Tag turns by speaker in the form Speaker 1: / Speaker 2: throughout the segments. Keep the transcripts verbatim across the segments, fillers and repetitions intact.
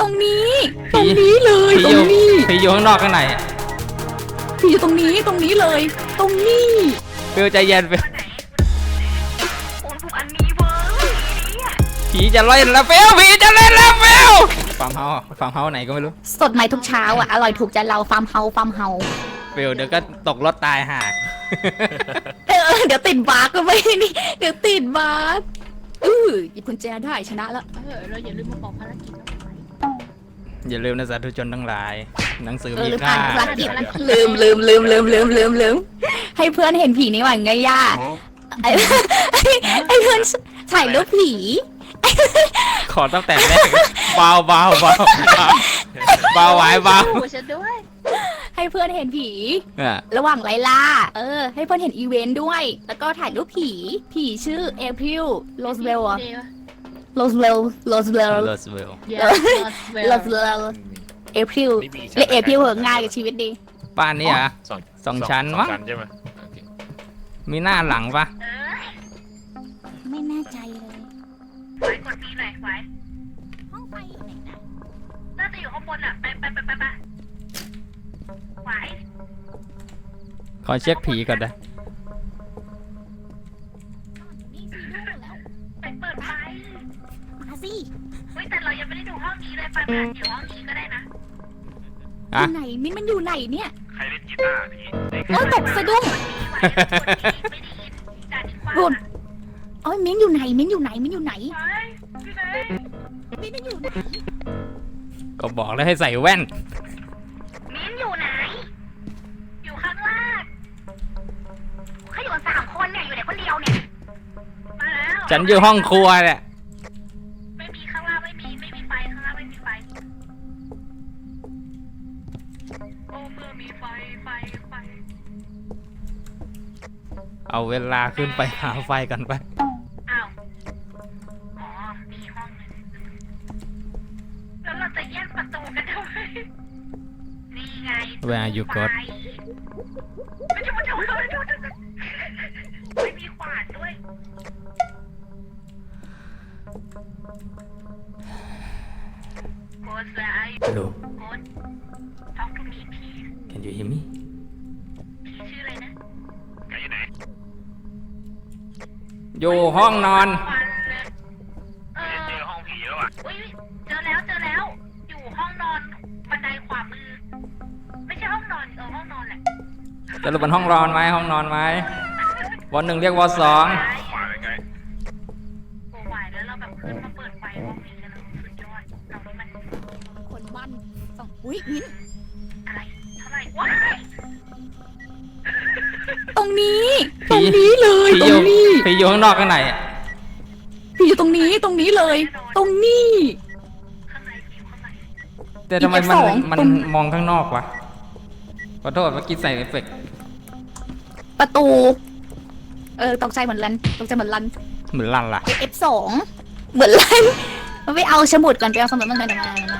Speaker 1: ตรงนี้ตรงนี้เลยตรงนี้
Speaker 2: ผีอยู่ข้างนอกข้างใน
Speaker 1: ผีอยู่ตรงนี้ตรงนี้เลยตรงนี้
Speaker 2: เฟลใจเย็นเฟลผีจะเล่นแล้วเฟลผีจะเล่นแล้วเฟลฟาร์มเฮาส์ฟาร์มเฮาส์ไหนก็ไม่รู้
Speaker 1: สดใหม่ทุกเช้าอ่ะอร่อยถูกใจเราฟาร์มเฮาฟาร์มเฮา
Speaker 2: เฟลเดี๋ยวก็ตกรถตายห่า
Speaker 1: เออเดี๋ยวติดบาร์ก็ไม่นี่เดี๋ยวติดบาร์เออหยิบกุญแจได้ชนะแล้วเออเราอย่าลืมมาบอกภารกิจ
Speaker 2: อย่าลืมนะสาธุชนทั้งหลายหนังสือมี
Speaker 1: ค่
Speaker 2: า
Speaker 1: ภารกิจลืมลืมลืมลืมลืมลืมลืมให้เพื่อนเห็นผีนี่หว่าไงย่าไอ้ไอ้เพื่อนถ่ายรูปผี
Speaker 2: ขอตั้งแต่แรกเบาเบาเบาเบาไหวเบา
Speaker 1: ให้เพื่อนเห็นผีระหว่างไล่ล่าเออให้เพื่อนเห็นอีเวนต์ด้วยแล้วก็ถ่ายรูปผีผีชื่อเอพริลโรสเวลอะโรสเวลโรสเวล
Speaker 2: โรสเวล
Speaker 1: โรสเวลเอพริลเรียกเอพริลเหอะง่ายกับชีวิตดี
Speaker 2: บ้านนี้อ่ะสองชั้นมั้งมีหน้าหลังปะ
Speaker 1: ไม่แน่ใจเลย
Speaker 3: ไว้กดปีหน่อยไว้
Speaker 1: ห้องไฟอยู่ไหนนะ
Speaker 3: น่าจะอยู่ข้างบนอ่ะไปไปไปไปไปไว้
Speaker 2: ขอเช็คผีก่อนนะ
Speaker 1: นี่ซีดูแล้ว
Speaker 3: ไปเปิดไฟ
Speaker 1: มาสิ
Speaker 3: เฮ้ยแต่เรายังไม่ได้ดูห้องนี้เลยไปไปอยู่ห้องนี้ก็ได้นะ
Speaker 1: อยู่ไหนมิ้นมันอยู่ไหนเนี่ย
Speaker 3: ใครเล่นกีตาร์พี่
Speaker 1: โอ้ตกสะดุ้งหลุดโอ้ยมิ้นอยู่ไหนมิ้นอยู่ไหนมิ้นอยู่ไหนมิ้นอยู่ไหน
Speaker 2: ก็บอกแล้วให้ใส่แว่น
Speaker 3: มิ้นอยู่ไหนอยู่ข้างล่างเขาอยู่กันสามคนเนี่ยอยู่ไหนคนเดียวเนี่ยมาแล้ว
Speaker 2: ฉันอยู่ห้องครัวเนี่ย
Speaker 3: ไม่มีข้างล่างไม่มีไม่มีไฟข้างล่างไม่มีไฟโอ้เมื่อมีไฟไฟไฟ
Speaker 2: เอาเวลาขึ้นไปหาไฟกันไป
Speaker 3: อ้าวอ๋อมีห้องนึงแล้วเราจะแยกประตูกันทำไมนี่ไง
Speaker 2: Where are you God
Speaker 3: ไม่ใช่ประตูไม่มีขวานด้วยโค้ดแวร์
Speaker 2: Hello
Speaker 3: โค้ด talk to me please
Speaker 2: Can you hear me
Speaker 3: ผีชื่ออะไรนะแกอยู่ไหน
Speaker 2: อยู่ห้องนอน
Speaker 3: เออเจอห้องผีแล้วอ่ะอุ้ยเจอแล้วเจอแล้วอยู่ห้องนอนบันไดขวามือไม่ใช่ห้องนอนเออห้องนอนแหละ
Speaker 2: จะรู้เป็นห้องนอนไหมห้องนอนไหมวันหนึ่งเรียกวันสอง
Speaker 3: โอ้ไหวแล้วเราแบบขึ้นมาเปิดไฟห้องนี้กันสุดยอดเรานี่มัน
Speaker 1: คนบ้านสองอุ้ยมิ้น
Speaker 3: อะไรเท่าไหร่ว้าย
Speaker 1: ตรงนี้ตรงนี้เลยตรงนี้
Speaker 2: ผีอยู่ข้างนอกข้างใน
Speaker 1: ผีอยู่ตรงนี้ตรงนี้เลยตรงนี้
Speaker 3: ข้างในผีอยู่ข้างใน
Speaker 2: แต่ทำไมมันมันมองข้างนอกวะขอโทษเมื่อกี้ใส่เอฟเฟกต์
Speaker 1: ประตูเออตกใจเหมือนลันตกใจเหมือนลัน
Speaker 2: เหมือนลันล่ะ
Speaker 1: เอฟ สองเหมือนลันมันไปเอาสมุดก่อนไปเอาสมุดมันมามามา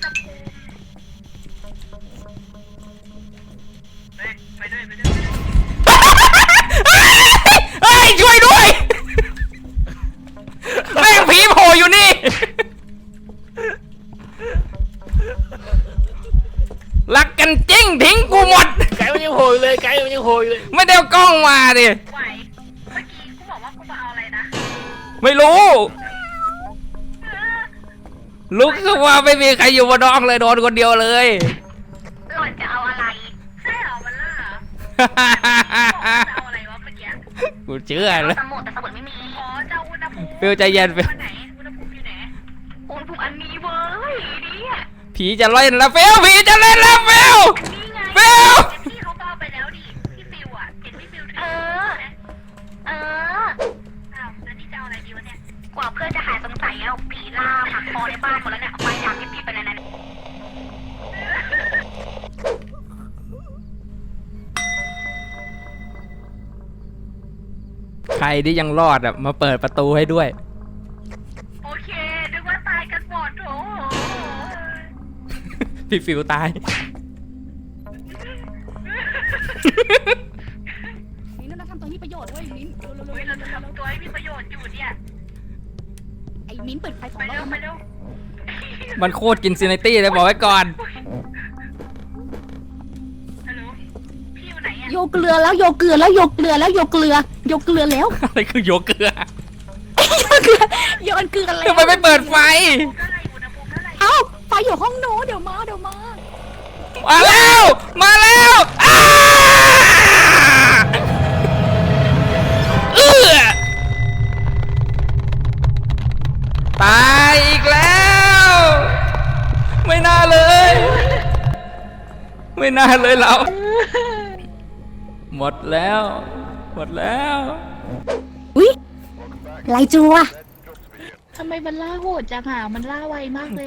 Speaker 3: ไปด้วยไปด้วย
Speaker 2: เฮ้ยช่วยด้วยแม่งผีโผล่อยู่นี่รักกันจริงทิ้งกูหมด
Speaker 4: ไก่มันยังโหยเลยไก่มันยังโหยเลย
Speaker 2: ไม่ได้เอากล้องมาดิ
Speaker 3: ไหวเมื่อกี้กูบอกว่ากูมาเอาอะไรนะ
Speaker 2: ไม่รู้ลุกขึ้นมาไม่มีใครอยู่บนห้องเลยโดนคนเดียวเลย
Speaker 3: หล่อนจะเอาอะไรใช่เหรอมันล่ะจะเอาอะไรวะเมื่อกี้
Speaker 2: กูเชื่อเลย
Speaker 3: สมุดแต่สมุดไม่มีอ๋อจะอุณหภูมิ
Speaker 2: เฟลใจเย็นเฟล
Speaker 3: ไหนอุณหภูมิอยู่ไหนอุณหภูมิอันนี้เว้ยนี่
Speaker 2: ผีจะเล่นแล้วเฟลผีจะเล่นแล้วเฟลเฟล
Speaker 3: พี่เขาเอาไปแล้วดิพี่ฟิวอ่ะเห็นพี่ฟิวเออเอออ้าวแล้วนี่จะเอาอะไรดีวะเนี่ยกว่าเพื่อนจะหายสงสัยแล้วผีล่าหักคอในบ้านหมดแล้วเนี่ยไปทางที่พี่ไปไหนไหน
Speaker 2: ใครที่ยังรอดอ่ะมาเปิดประตูให้ด้วย
Speaker 3: โอเคนึกว่าตายกันหมดโถ
Speaker 2: พี่ฟิวตาย
Speaker 1: มิ้นเราทำตัวนี้ประโยชน์เว้ยมิ้น
Speaker 3: เราจะทำตัวให้มีประโยชน์อยู่เนี่ย
Speaker 1: ไอ้มิ้นเปิดไฟของ
Speaker 3: เราไปเร็วไปเร็ว
Speaker 2: มันโคตรกินซินิตี้เลยบอกไว้ก่อน
Speaker 3: ฮัลโหลพี่อยู่ไหนอะ
Speaker 1: โยเกลือแล้วโยเกลือแล้วโยเกลือแล้วโยเกลือโยเกลือแล้ว
Speaker 2: อะไรคือโยเกลือ
Speaker 1: โยเกลือโยนเกลือแล้ว
Speaker 2: ทำไมไม่เปิดไฟ
Speaker 3: เท่าไหร่อุณหภูมิเท่าไหร่
Speaker 1: เอ้าไฟอยู่ห้องโน้นเดี๋ยวมาเดี๋ยวมา
Speaker 2: มาแล้ว มาแล้วอ้าเอื้อตายอีกแล้ว ไม่น่าเลย ไม่น่าเลยเรา หมดแล้ว หมดแล้ว
Speaker 1: อุ้ยไลจูอะ
Speaker 5: ทำไมมันล่าโหดจังอ่ะมันล่าไวมากเลย